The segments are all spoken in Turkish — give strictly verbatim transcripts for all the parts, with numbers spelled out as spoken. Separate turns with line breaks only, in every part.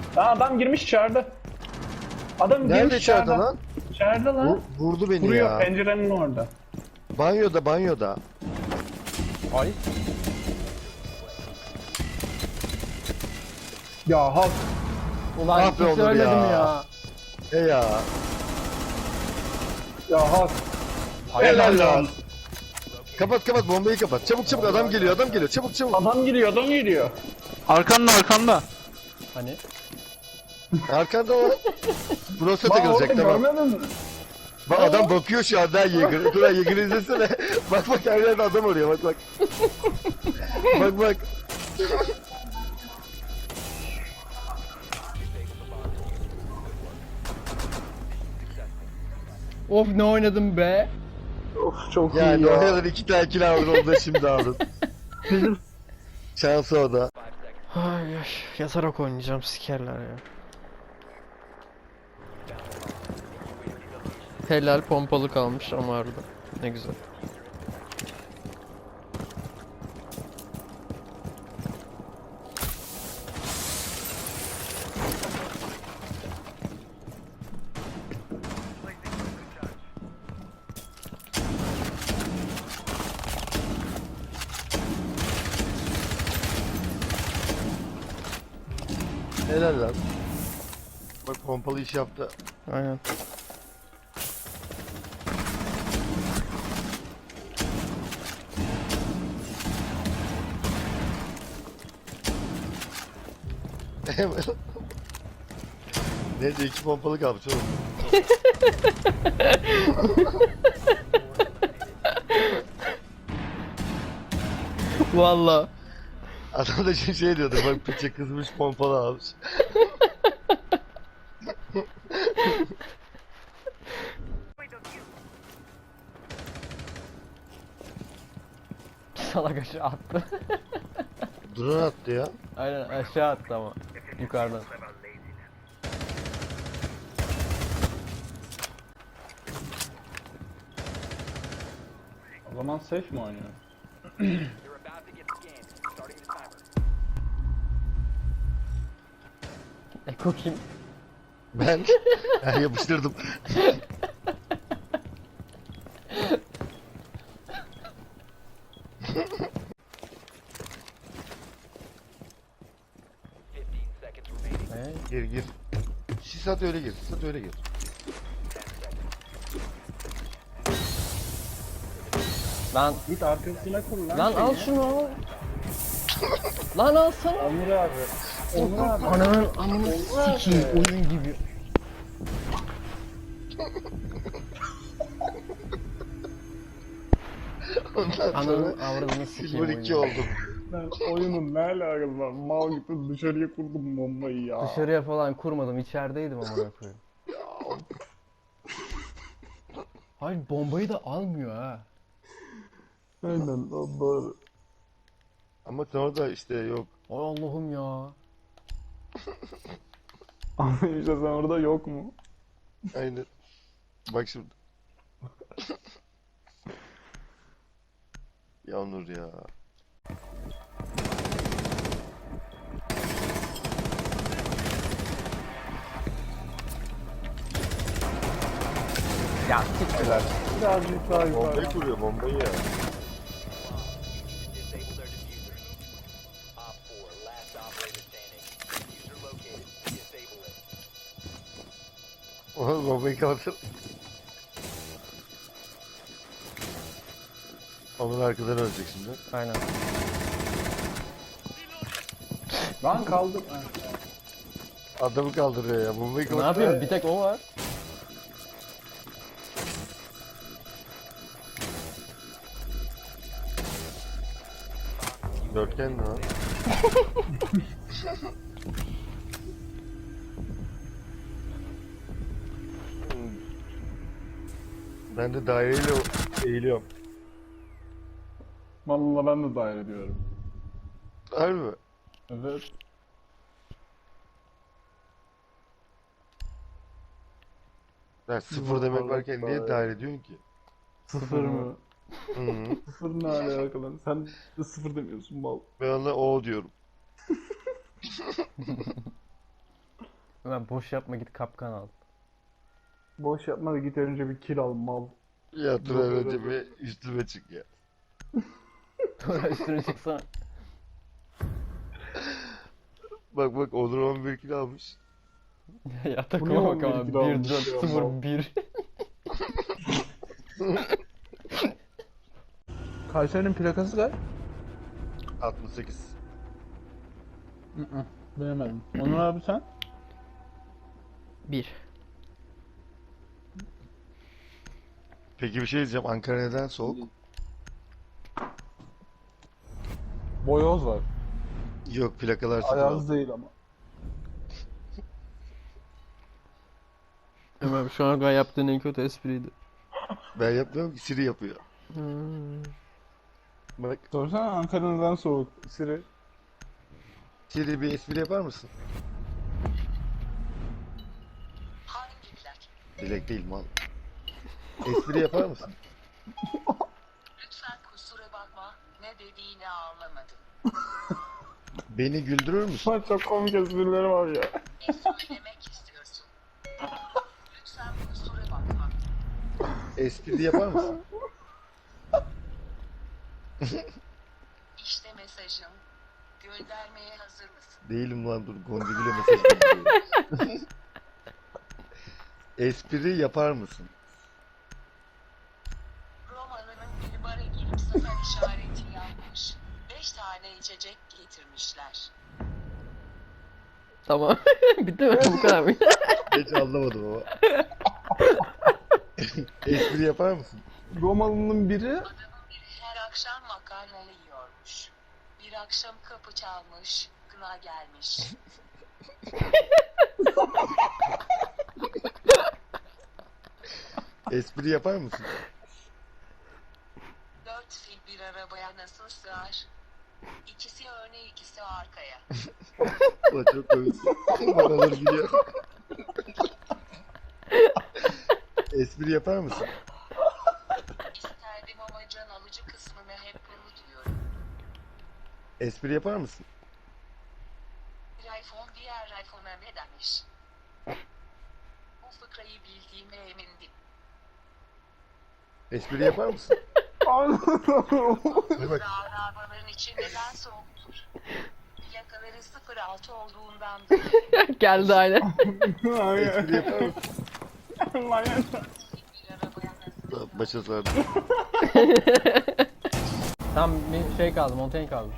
Aa, adam girmiş içeride. Adam
Nerede
girmiş
içeride
içeride.
lan?
İçeride lan.
Vur- vurdu beni
Vuruyor
ya.
pencerenin orada.
Banyoda banyoda.
Ay.
Ya hak.
Ulan
Ah be
hiç
Onur
söyledim
ya.
ya.
E ya.
Ya hak.
Helal lan. Kapat kapat bombayı kapat. Çabuk çabuk adam geliyor adam geliyor. Çabuk çabuk.
Adam giriyor adam giriyor.
Arkanda arkanda.
Hani?
Arkanda o. Burası
Bak
takılacak
orada
tamam.
görmedin mi?
Bak adam bakıyor şu anda Yeager. Dur Yeager izlesene. Bak bak her yerde adam arıyor bak bak. Bak bak.
Of ne oynadım be.
Of çok
Yani
iyi ya.
oynadan iki tane kill aldın onu da şimdi aldın. Şansı o da.
Ay ay yatarak oynayacağım sikerler ya. Helal pompalı kalmış ama arada. Ne güzel.
Helal lan. Bak pompalı iş yaptı.
Aynen.
Neyse iki pompalı kalmış oğlum.
Valla.
Adam da şey şey diyordu bak piçe kızmış pompalı almış.
Salak aşağı attı.
Drone attı ya.
Aynen aşağı attı ama. Yukarıdan.
O zaman safe mi oynuyor?
Eko kim?
Ben, ben yapıştırdım.
Ee,
Gir gir. Sis at öyle gir. Sis at öyle gir.
Lan
Git arkasına kur lan.
lan al şunu al. Lan alsana.
Onur abi. Onur abi.
Ananın amını sikeyim oyun gibi.
Ondan
Ananın
sonra
avradını sikeyim
Silver
oyun
iki
gibi.
oldum.
Ben oyunun ne alakası var? Mal gibi dışarıya kurdum bombayı ya.
Dışarıya falan kurmadım içerideydim amına koyayım. Hayır bombayı da almıyor ha.
Aynen lan doğru.
Ama sonra da işte yok.
Ay Allah'ım ya.
Ama işte sen orada yok mu?
Aynen. Bak şimdi. Ya Onur ya.
Ya siktir.
Birazcık daha yukarı.
Bombayı kuruyor bombayı ya. Oğlum bombayı kapatır. Onun arkadan ölecek şimdi.
Aynen.
Lan kaldım.
Adamı kaldırıyor ya. Bombayı
Ne
kapatır.
yapayım? Bir tek o var.
Dörtgen mi lan? Ben de daireyle eğiliyorum.
Vallahi ben de dair ediyorum.
Harbi mi?
Evet.
Ya sıfır demek varken niye dahil ediyorsun ki?
Sıfır mı?
Hı -hı.
Sıfır ne alakalı lan? Sen de sıfır demiyorsun mal.
Ben ona o diyorum.
Ömer boş yapma, git kapkan al.
Boş yapma da git önce bir kill al mal.
Ya dur önce bir üstüme çık ya.
Sonra üstüne çıksana.
Bak bak Onur on bir kilo almış.
Ya
Bu ne
takıma bak
on bir
ama
kilo
bir
almış
dört
ya,
sıfır
mal.
bir.
Kayseri'nin plakası kaç?
altmış sekiz.
Bilemedim. Onur abi sen?
bir.
Peki bir şey diyeceğim. Ankara neden soğuk?
Boyoz var.
Yok plakalar sıfır
Ayaz
altı.
değil ama.
Ömer şu an kadar yaptığın en kötü espriydi.
Ben yapmıyorum ki Siri yapıyor.
Hmm.
Bak
Sorsana Ankara neden soğuk? Siri.
Siri bir espri yapar mısın?
Hangi plak?
Dilek değil mal. Espri yapar mısın?
Lütfen kusura bakma. Ne dediğini anlamadım.
Beni güldürür müsün?
Şu an çok komik esprileri var ya.
Ne söylemek istiyorsun? Lütfen kusura bakma.
Espri yapar mısın?
İşte mesajım. Göndermeye hazır mısın?
Değilim lan dur. Goncagül'e mesaj gönderiyorum. Espri yapar mısın?
Romalı'nın bir bara girip sefer işareti yapmış. Beş tane içecek getirmişler.
Tamam. Bitti mi? Bu kadar mı?
Hiç anlamadım ama. Espri yapar mısın?
Romalı'nın biri
Adamın biri her akşam makarnalı yiyormuş. Bir akşam kapı çalmış. Kına gelmiş.
Espri yapar mısın?
Dört fil bir arabaya nasıl sığar? İkisi öne ikisi arkaya.
Ulan çok komiksin. Banaları biliyor. Espri yapar mısın?
İsterdim ama can alıcı kısmını hep unutuyorum.
Espri yapar mısın?
Bir iPhone diğer iPhone'a ne demiş? Bu fıkrayı bildiğime emindim.
Espri yapar mısın? Hadi bak.
Dağın arabaların içi neden soğuktur? Plakaları sıfır altı olduğundan
Geldi aynen.
Espri yapar mısın?
Manyak.
bir arabaya nasıl
Başa sardı.
Tam bir şey kaldı, Montaigne kaldı.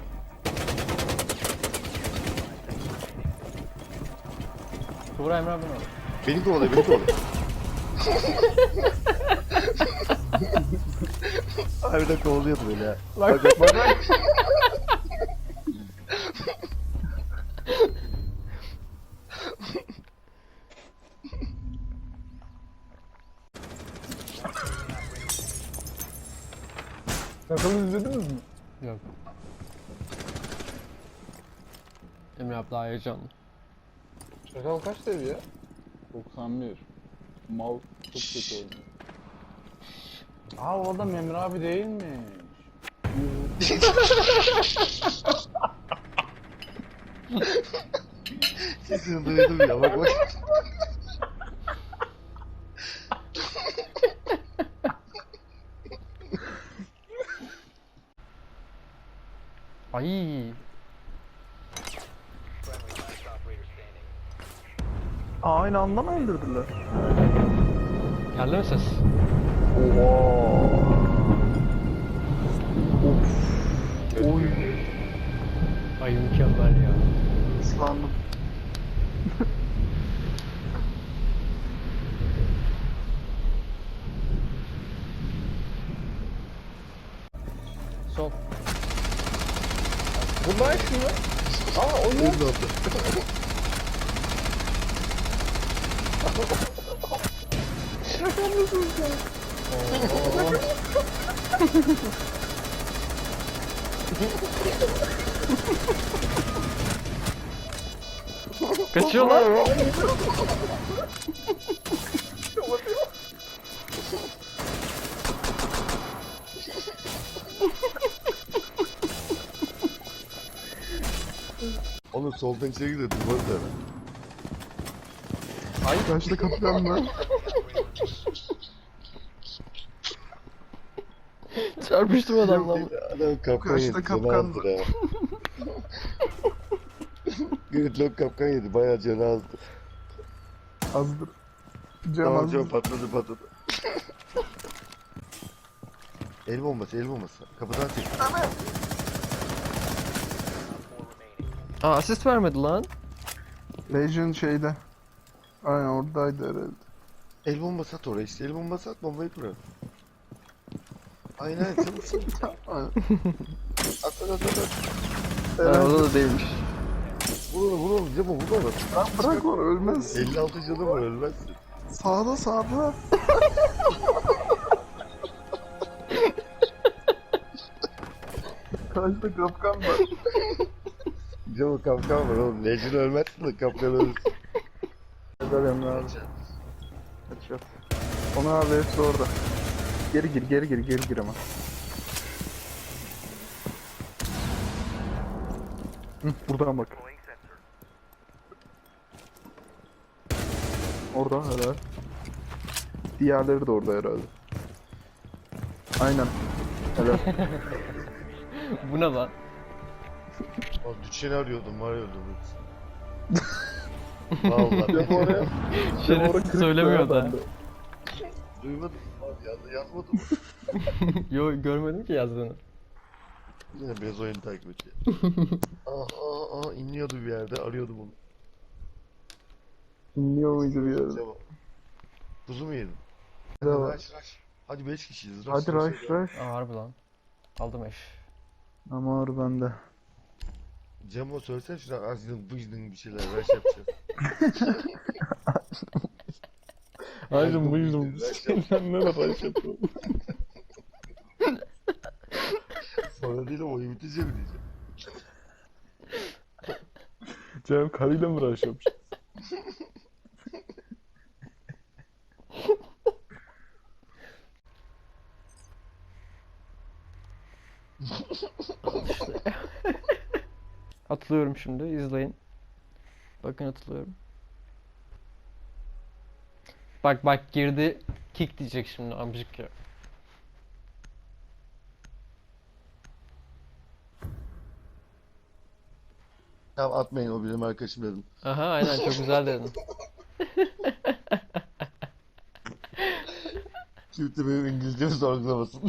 Tuğra Emre abi mi?
Beni kovalıyor, beni kovalıyor. Harbiden kovalıyordu beni ha. Bak bak bak. bak.
Sakalı izlediniz mi?
Yok. Emre abi daha heyecanlı.
Sakal kaç seviye? doksan bir. Mal çok kötü oynuyor. Aa o adam Emre abi değilmiş.
Sesini duydum ya bak bak.
Ay.
Aa, aynı anda mı öldürdüler?
Geldi mi ses?
Oy.
Ay mükemmel ya.
Islandım.
Sol.
Bunlar kim ya? Aa o ne?
Öldü oldu.
Şaka mısın sen?
Kaçıyor lan.
Oğlum soldan içeri gidiyor duvarı da.
Ay
Kaçta kapıdan mı?
çarpıştım adamla.
Adam kapkan
Kaçta
yedi.
kapkan
Canı azdır ha. Gridlock kapkan yedi. Bayağı canı azdı.
Azdır. Cam
Tamam
azdır.
canım patladı patladı. El bombası el bombası. Kapıdan çek.
Aa asist vermedi lan.
Legion şeyde. Aynen oradaydı herhalde.
El bombası at oraya işte. El bombası at bombayı kurar. Aynen sen sen.
Aynen.
At at at at.
Ha,
Herhalde.
orada da değilmiş.
Vur onu vur onu. Cemo vur onu.
Lan bırak onu ölmez.
elli altı canı var ölmezsin.
Sağda sağda. Kaçta kapkan var.
Cemo kapkan var oğlum. Legend ölmezsin de kapkan ölürsün.
Helal Emre abi. Headshot. Onu abi hepsi orada. Geri gir geri gir geri gir ama. Hı, buradan bak. Orada helal. Diğerleri de orada herhalde. Aynen. Helal.
Bu ne lan?
Oğlum düşeni arıyordum var ya öldüm. Vallahi.
Cem oraya. Cem oraya
Şerefsiz
kırık
söylemiyor
koyar
da.
bende.
Duymadım. Abi yaz, yazmadım.
Yo görmedim ki yazdığını.
Yine biraz oyunu takip ediyor. Aa aa aa inliyordu bir yerde arıyordum onu.
İnliyor muydu bir yerde?
Cemo. Kuzu mu yedin?
Ne
Hadi
var?
rush rush. Hadi beş kişiyiz. Rush,
Hadi rush rush.
Aa harbi lan. Aldım eş.
Ama ağır bende.
Cemo söylesene şuna azdın bızdın bir şeyler rush yapacağız.
Ayrım
buyurdum.
buyurdum. Sen ne laf yapıyorsun?
Sonra değil ama oyun bitince mi diyeceğim.
Cem karıyla mı rush yapmış?
Atılıyorum şimdi izleyin. Bakın atılıyorum. Bak bak girdi kick diyecek şimdi amcık ya.
Tamam atmayın o benim arkadaşım dedim.
Aha aynen çok güzel dedin.
Kimse benim İngilizcemi sorgulamasın.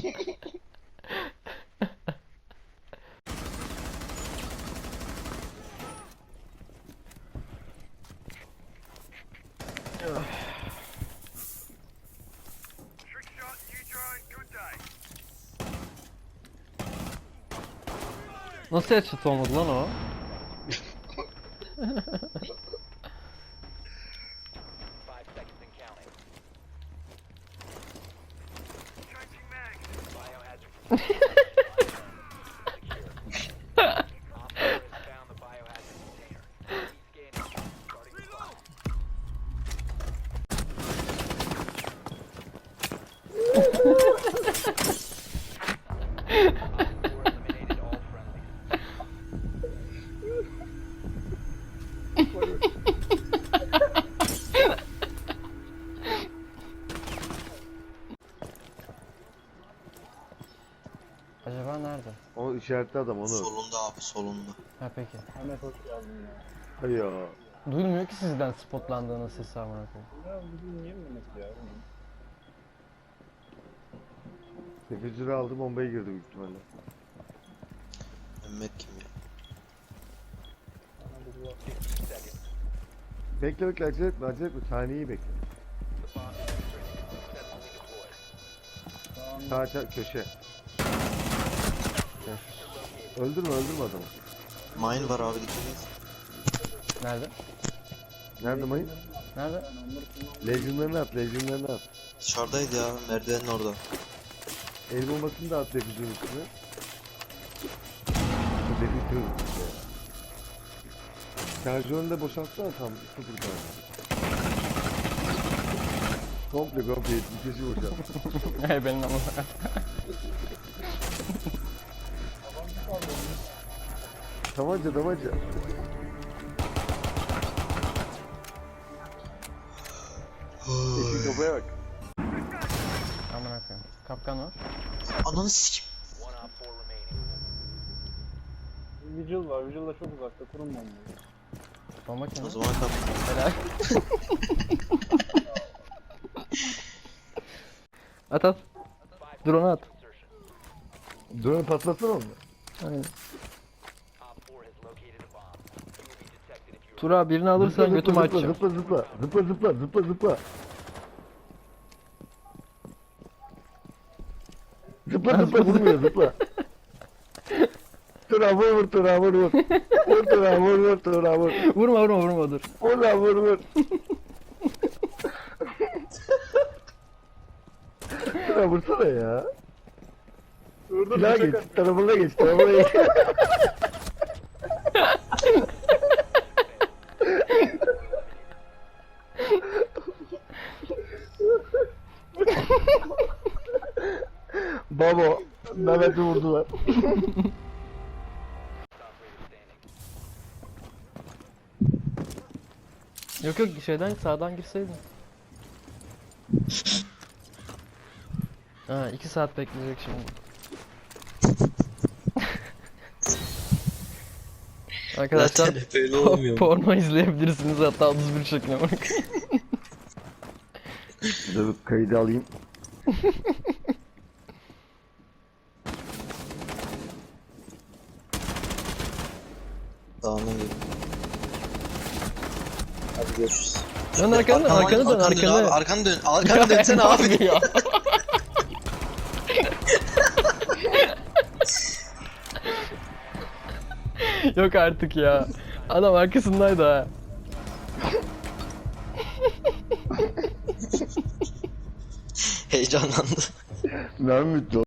Nasıl headshot olmadı lan o? Acaba nerede?
O işaretli adam onu.
Solunda abi solunda.
Ha peki.
Ahmet hoş geldin ya.
Hay ya.
Duyulmuyor ki sizden spotlandığınız sesi amına koyayım.
Ya bugün niye Mehmet ya?
sekiz lira aldı bombaya girdi büyük ihtimalle.
Mehmet kim ya?
Bekle bekle acele etme acele etme saniyeyi bekle. Sağ sağ köşe. Öldürme öldürme adamı.
Mine var abi dikkat et.
Nerede?
Nerede mayın?
Nerede?
Legend'larını at legend'larını at.
Dışarıdaydı ya merdivenin orada.
El bombasını da at defizyon üstüne. Bu defizyon üstüne. Şarjörünü de boşaltsana tam sıfır tane. Komple komple yetmiş beşi boşalt.
Hey benim ama.
Tabanca tabanca. kafaya bak.
Aman akıyım. Kapkan var.
Ananı sikim.
Vigil var. Vigil da çok uzakta. Kurum bombayı.
Bomba kim?
O zaman kap.
Helal. At at. Drone'u at.
Drone patlatsana onu.
Aynen. Tura birini alırsan
Zıpla,
götümü
zıpla,
açacağım.
Zıpla zıpla zıpla zıpla zıpla zıpla. Zıpla zıpla vurmuyor zıpla. Tura vur vur Tura vur vur. Vur Tura vur vur Tura vur.
Vurma vurma vurma dur.
Vur lan vur vur. Tura vursana ya. Silah geç tarafına geç tarafına geç. Babo, Mehmet'i vurdular.
Yok yok şeyden sağdan girseydin. Ha iki saat bekleyecek şimdi. Arkadaşlar
Zaten hep öyle olmuyor mu?
porno izleyebilirsiniz hatta otuz bir şekline bak.
Dur kaydı alayım.
Dağına gel. Hadi görüşürüz.
Dön arkana dön arkana dön
Arkanı dön abi,
arkana.
arkanı dön. Arkanı dönsene abi.
Ya. Yok artık ya. Adam arkasındaydı ha.
Heyecanlandı.
Mehmet